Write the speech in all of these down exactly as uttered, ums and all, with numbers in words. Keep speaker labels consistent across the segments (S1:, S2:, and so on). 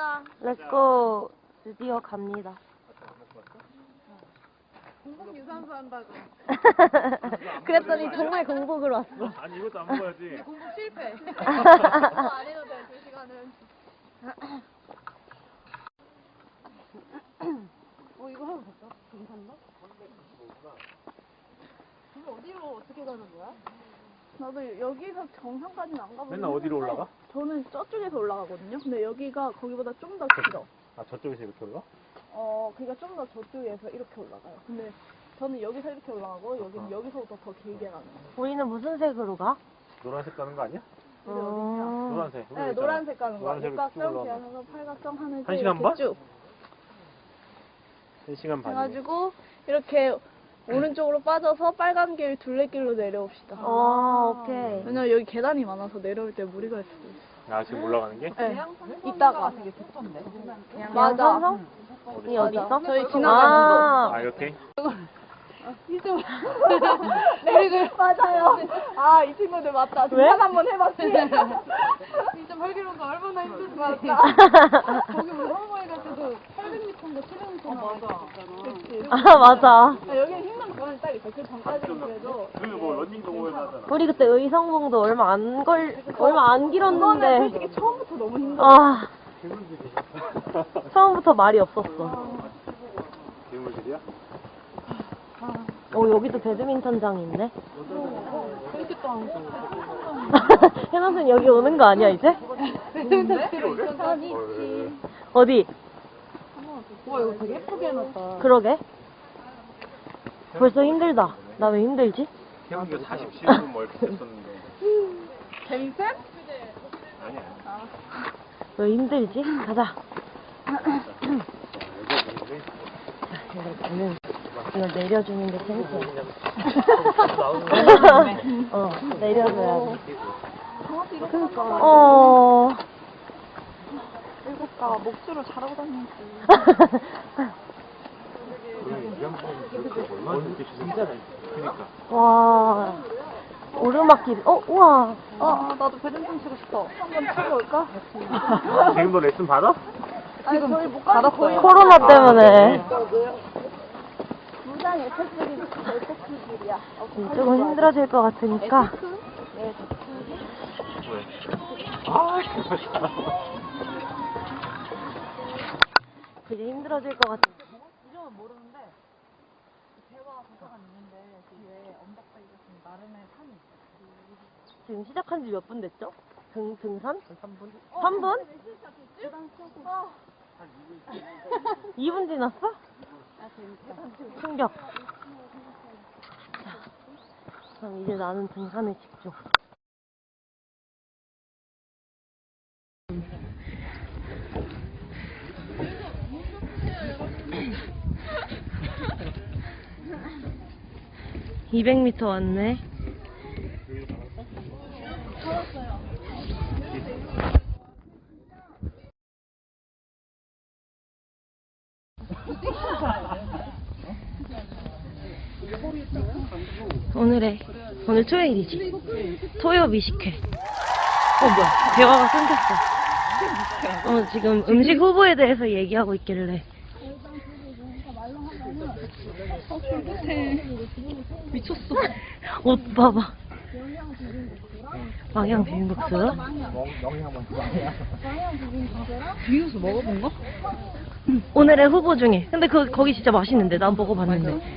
S1: 가자.
S2: 렛츠고. 드디어 갑니다.
S1: 공복 유산소 한다고.
S2: 그랬더니 정말 공복으로 왔어.
S3: 아니 이것도 안 먹어야지.
S1: 공복 실패. 그거 안 해도 돼, 두 시간은. 어, 이거 하면 될까? 괜찮나? 이거 어디로 어떻게 가는 거야?
S4: 나도 여기서 정상까지는 안 가보고
S3: 맨날 어디로 올라가?
S4: 저는 저쪽에서 올라가거든요. 근데 여기가 거기보다 좀 더 길어.
S3: 아 저쪽에서 이렇게 올라?
S4: 어, 그러니까 좀 더 저쪽에서 이렇게 올라가요. 근데 저는 여기서 이렇게 올라가고 여기는 여기서부터 더 길게 가는 거예요.
S2: 우리는 무슨 색으로 가?
S3: 노란색 가는 거 아니야?
S4: 근데 어디냐?
S2: 음...
S3: 노란색.
S4: 네, 노란색 가는 거.
S3: 노란색으로 쭉
S4: 육각형,
S3: 올라가면.
S4: 기하면서 팔각형, 하늘색
S3: 한 시간
S4: 이렇게
S3: 반?
S4: 쭉
S3: 한 시간 반.
S4: 해가지고 이렇게 오른쪽으로 빠져서 빨간 길 둘레길로 내려옵시다.
S2: 어, 오케이.
S4: 왜냐면 여기 계단이 많아서 내려올 때 무리가 있을 수도 있어.
S3: 아 지금 올라가는 게?
S4: 네. 이따가 되게 좋던데. 맞아.
S2: 양산성? 이 어디 있어?
S4: 저희 지나가는
S3: 아 이렇게?
S4: 그리고 맞아요. 아, 이 친구들 맞다.
S2: 왜?
S4: 등산 한번 해봤지.
S1: 진짜 활기로가 얼마나 힘든지.
S4: 맞다.
S1: 거기 뭐 홍보회 갈 때도 팔백 미터인가 칠백 미터 나왔잖아.
S4: 그치.
S2: 아, 맞아.
S4: 아, 여기는 힘든 구간이 딱 있어. 그 전까지는 그래도.
S3: 그뭐 런닝 동호회도 하잖아.
S2: 우리 그때 의성봉도 얼마 안 걸, 얼마 안
S4: 그거는
S2: 길었는데.
S4: 솔직히 처음부터 너무 힘들어.
S2: 아, 처음부터 말이 없었어.
S3: 괴물들이야?
S2: 어, 여기도 배드민턴장이 있네.
S1: 이렇게 또 안 가.
S2: 해나선 여기 오는 거 아니야, 이제? 어디?
S1: 와, 이거 되게 예쁘게 해놨다.
S2: 그러게. 벌써 힘들다. 나 왜 힘들지?
S3: 태훈이가 사십칠 분 뭐 이렇게 됐었는데.
S4: 재밌어?
S3: 아니야.
S2: 왜 힘들지? 가자. 이거는 이걸 내려주는 게 재밌어. 어, 내려줘야 돼.
S4: 그러니까.
S2: 어.
S4: 일곱가 목줄을 잘하고 다니지.
S3: 얼마나 이렇게 진짜네. 그니까.
S2: 와. 오르막길. 어, 우와.
S4: 어, 나도 배드민턴 치고 싶어. 한번 치고 올까?
S3: 지금도 레슨 받아?
S4: 아니, 저희 못 가겠어요.
S2: 코로나 때문에.
S4: 무장 에펙트길이 에펙트길이야.
S2: 조금 힘들어질 것 같으니까.
S3: 왜? 아 정말.
S2: 되게 힘들어질 것 같아.
S1: 이름은 모르는데 대화 도서관 있는데 뒤에 언덕배기가 좀 나름의 산이 있어.
S2: 지금 시작한 지 몇 분 됐죠? 등, 등산? 삼 분? 삼 분? 이 분 지났어? 충격. 자, 그럼 이제 나는 등산에 집중. 이백 미터 왔네. 오늘의 오늘 토요일이지. 토요 미식회. 어 뭐야? 대화가 끊겼어. 어 지금 음식 후보에 대해서 얘기하고 있길래.
S4: 미쳤어.
S2: 옷 봐봐. 망향 비빔국수.
S4: 비빔국수 먹어본 거?
S2: 오늘의 후보 중에. 근데 그 거기 진짜 맛있는데 난 먹어봤는데.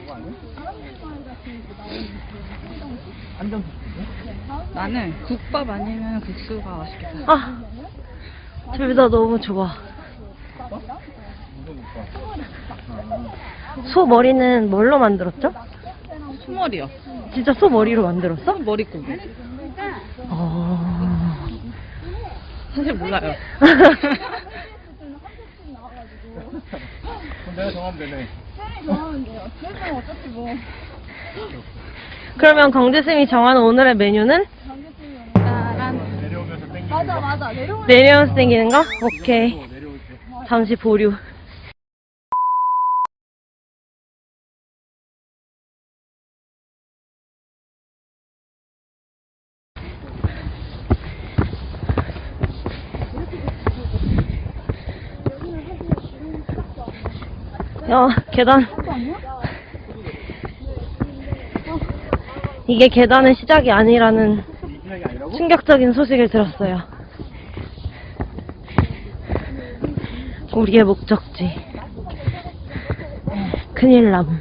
S4: 나는 국밥 아니면 국수가 맛있겠다.
S2: 아, 둘 다 너무 좋아. 소 머리는 뭘로 만들었죠?
S4: 소머리요.
S2: 진짜 소 머리로 만들었어?
S4: 머리고기.
S2: 어...
S4: 사실 몰라요.
S3: 그럼 내가 정하면 되네.
S2: 그러면 강재쌤이 정하는 오늘의 메뉴는?
S3: 내려오면서 땡기는
S4: 맞아,
S3: 거.
S4: 맞아. 내려오면
S2: 내려서 땡기는 거? 오케이.
S3: 내려올 때.
S2: 잠시 보류. 야, 계단. 이게 계단의 시작이 아니라는
S3: 시작이 아니라고?
S2: 충격적인 소식을 들었어요. 우리의 목적지. 큰일 남.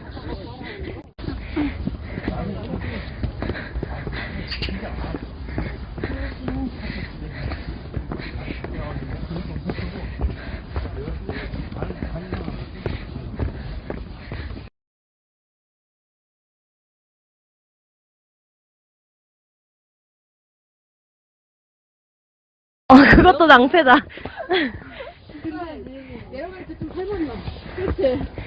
S2: 어, 그것도 낭패다.
S4: 내려갈 때 좀 해봤나? 그렇지.